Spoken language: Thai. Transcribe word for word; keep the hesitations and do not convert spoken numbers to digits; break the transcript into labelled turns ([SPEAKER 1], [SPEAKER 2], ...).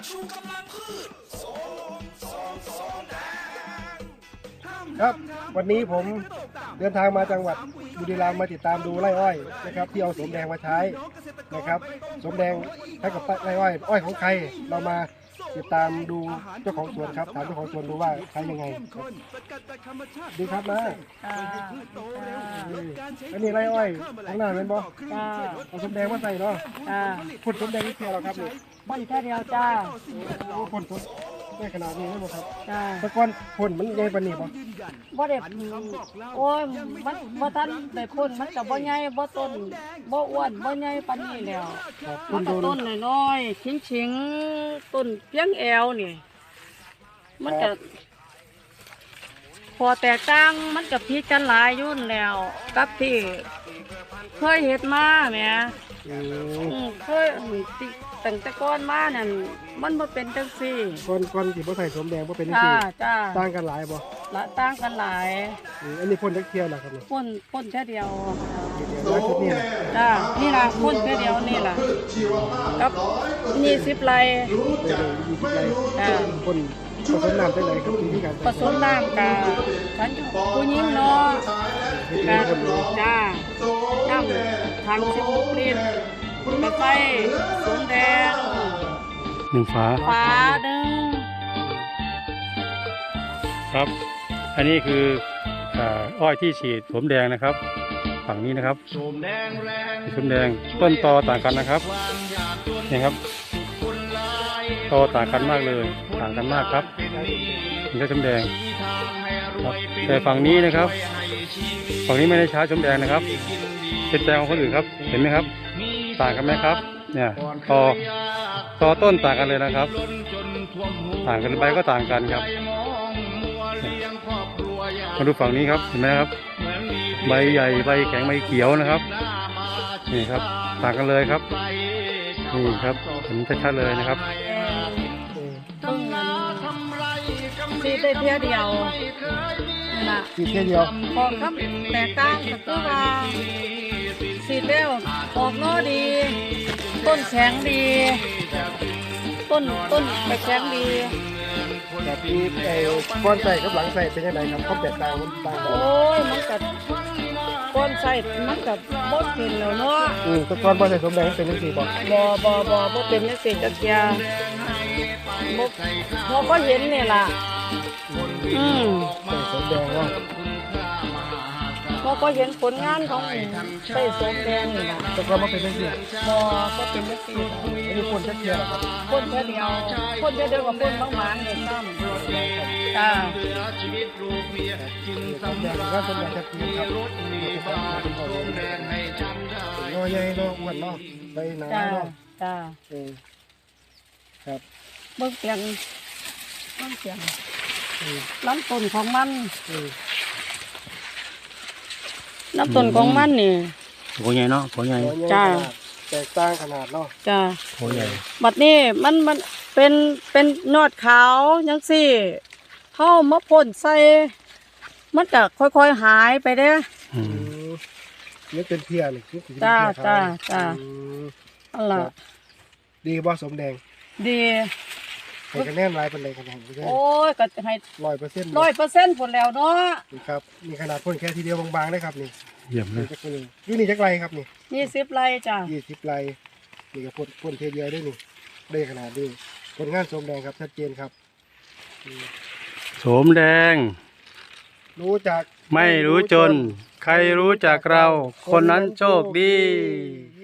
[SPEAKER 1] ครับวันนี้ผมเดินทางมาจังหวัดบุรีรัมย์มาติดตามดูไร่อ้อยนะครับที่เอาสมแดงมาใช้นะครับสมแดงใช้กับไร่อ้อยอ้อยของใครเรามาติดตามดูเจ้าของสวนครับถามเจ้าของสวนดูว่าใช้ยังไงดีครับนะอันนี้ไร่อ้อยข้างหน้าเป็นบ่เอาสมแดงมาใส่เนาะพ่นสมแดงนี่เพียเราครับนี่
[SPEAKER 2] พ่นแค่เดียวจ้า
[SPEAKER 1] โอ้พ่นสมได้ขนาดนี้ได้บ่ครับ
[SPEAKER 2] จ้า
[SPEAKER 1] แต่ก่อนพ่นมันใหญ่ปานนี้บ่
[SPEAKER 2] บ่ได้โอ้ยมันบ่ทันได้พ่นมันก็บ่ใหญ่บ่ต้นบ่อ้วนบ่ใหญ่ปานนี้แล้วมันก็ต้นน้อยๆชิงๆต้นเพียงแอวนี่มันก็พอแตกต่างมันก็พิกันหลายอยู่แล้วกับที่เคยเฮ็ดมาแหม
[SPEAKER 1] อืม
[SPEAKER 2] อืมเคยติตั้งแต่ก่อนมานั่นมันบ่เป็นจังซี่
[SPEAKER 1] ก่อนก่อนที่บ่ใส่สมแดงบ่เป็นจัง
[SPEAKER 2] จ้า
[SPEAKER 1] ซี่
[SPEAKER 2] จ้า
[SPEAKER 1] ต่างกันหลายบ่
[SPEAKER 2] ละต่างกันหลาย
[SPEAKER 1] อืมอันนี้พ่นจักเที่ยวล่ะครับนี่
[SPEAKER 2] พ่นพ่นแค่เดียว
[SPEAKER 1] เดี๋ยวแล้วชุดนี้น่ะ
[SPEAKER 2] จ้านี่ล่ะพ่นแค่เดียวนี่ล่ะกับนี่สิบไร่
[SPEAKER 1] ได้เลยยี่สิบไร่
[SPEAKER 2] จ้า
[SPEAKER 1] พ่นผสมน้ำจังไดครับวิธีการ
[SPEAKER 2] ผสมน้ำกับฉันผู้หญิงเนาะ
[SPEAKER 1] เฮ็ด
[SPEAKER 2] กั
[SPEAKER 1] เอง
[SPEAKER 2] บ
[SPEAKER 1] พ่น
[SPEAKER 2] จ้าน้ำถังสิบหกลิตรกระใส่สมแดง
[SPEAKER 3] หนึ่งฝา
[SPEAKER 2] ฝาหนึ่ง
[SPEAKER 3] ครับ อันนี้คืออ่าอ้อยที่ฉีดสมแดงนะครับ ฝั่งนี้นะครับสมแดงต้นตอต่างกันนะครับนี่ครับตอต่างกันมากเลยต่างกันมากครับนี่ก็สมแดงครับแต่ฝั่งนี้นะครับ ฝั่งนี้ไม่ได้ใช้สมแดงนะครับเป็นแปลงของคนอื่นครับเห็นไหมครับ ต่างกันไหมครับเนี่ยตอตอต้นต่างกันเลยนะครับ ต่างกันใบก็ต่างกันครับมาดูฝั่งนี้ครับเห็นไหมครับใบใหญ่ใบแข็งใบเขียวนะครับนี่ครับต่างกันเลยครับนี่ครับเห็นชัดๆเลยนะครับ
[SPEAKER 2] ต้นนั้นสีได้เพียเดียวนี่ล่ะ
[SPEAKER 1] ฉีดเที่ยวเดียว
[SPEAKER 2] ออกครับแตกต่างก็คือว่าสีเร็วออกนอดี ต้นแข็งดี ต้นต้นไปแข็งดี
[SPEAKER 1] แบบนี้ไอ้ก่อนใส่กับหลังใส่เป็นยังไงครับความแตกต่างมันต่างกัน
[SPEAKER 2] โอ้ยมันกัดก้อนใส่มันกัดบดกินแล้วเนาะ
[SPEAKER 1] อืมแต่ก่อนบ่ใส่สมแดงเป็นจังซี่บ่
[SPEAKER 2] บ่บ่บ่บ่เป็นนักเสียจักยาบ่บ่ก็เห็นนี่ล่ะอืม
[SPEAKER 1] ใส่สมแดงเนาะ
[SPEAKER 2] บ่ก็เห็นผลงานของใส่สมแดงนี่ล่ะ
[SPEAKER 1] แต่ก่อนบ่เป็นจังซี่
[SPEAKER 2] บ่ก็เป็นนักเสีย
[SPEAKER 1] อันนี้พ่นจักเที่ยวล่ะครับ
[SPEAKER 2] พ่นแค่เดียวพ่นแค่เดียวกับพ่นบางหมานนี่ซ้ำจ้า
[SPEAKER 1] สมแดงก็สมแดงจักเที่ยวครับเป็นของสมแดงให้จำได้น้อยใหญ่เนาะอ้วนเนาะใบหนา
[SPEAKER 2] จ้า
[SPEAKER 1] เนาะ
[SPEAKER 2] จ้า
[SPEAKER 1] เออครับ
[SPEAKER 2] เบิ่งเสียงเบิ่งเสียง
[SPEAKER 1] อืม
[SPEAKER 2] ลำต้นของมัน
[SPEAKER 1] อืม
[SPEAKER 2] ลำต้นของมันนี่
[SPEAKER 3] โหใหญ่เนาะโหใหญ่
[SPEAKER 1] น้อยใหญ่
[SPEAKER 2] จ้า
[SPEAKER 1] ขนาดแตกต่างขนาดเนาะ
[SPEAKER 2] จ้า
[SPEAKER 3] โหใหญ่
[SPEAKER 2] บัดนี้มันมันเป็นเป็นนอดขาวจังซี่เข้ามาพ่นใส่มันก็ค่อยๆหายไปเด้อ
[SPEAKER 3] อื
[SPEAKER 1] อื
[SPEAKER 3] ม
[SPEAKER 1] มนี่เป็นเพียนี่คือเป็น
[SPEAKER 2] จ้า
[SPEAKER 1] เพียขว
[SPEAKER 2] จ้าจ้า
[SPEAKER 1] อืม
[SPEAKER 2] อันล่ะ
[SPEAKER 1] ดีบ่สมแดง
[SPEAKER 2] ดี
[SPEAKER 1] ให้คะแนนหลายเป็นไรครับผม
[SPEAKER 2] โอ้ยก็ให้
[SPEAKER 1] ร้อยเปอร์เซ็นต์
[SPEAKER 2] ร้อยเปอร์เซ็นต์ผลแล้วเนาะ
[SPEAKER 1] นี่ครับนี่ขนาดพ่นแค่ทีเดียวบางๆนะครับนี่
[SPEAKER 3] เยี่ยมเล
[SPEAKER 1] นี่
[SPEAKER 3] ย
[SPEAKER 1] จักรนี่อยู่นี่จักไรครับนี่
[SPEAKER 2] ยี่สิบไร่จ้า
[SPEAKER 1] ยี่สิบไรนี่ก็พ่นพ่นเทีเดียวได้นี่ได้ขนาดนี้ผลงานสมแดงครับชัดเจนครับอืม
[SPEAKER 3] โสมแดง
[SPEAKER 1] รู้จัก
[SPEAKER 3] ไม่รู้จน ใครรู้จักเรา คนนั้นโชคดี
[SPEAKER 1] ค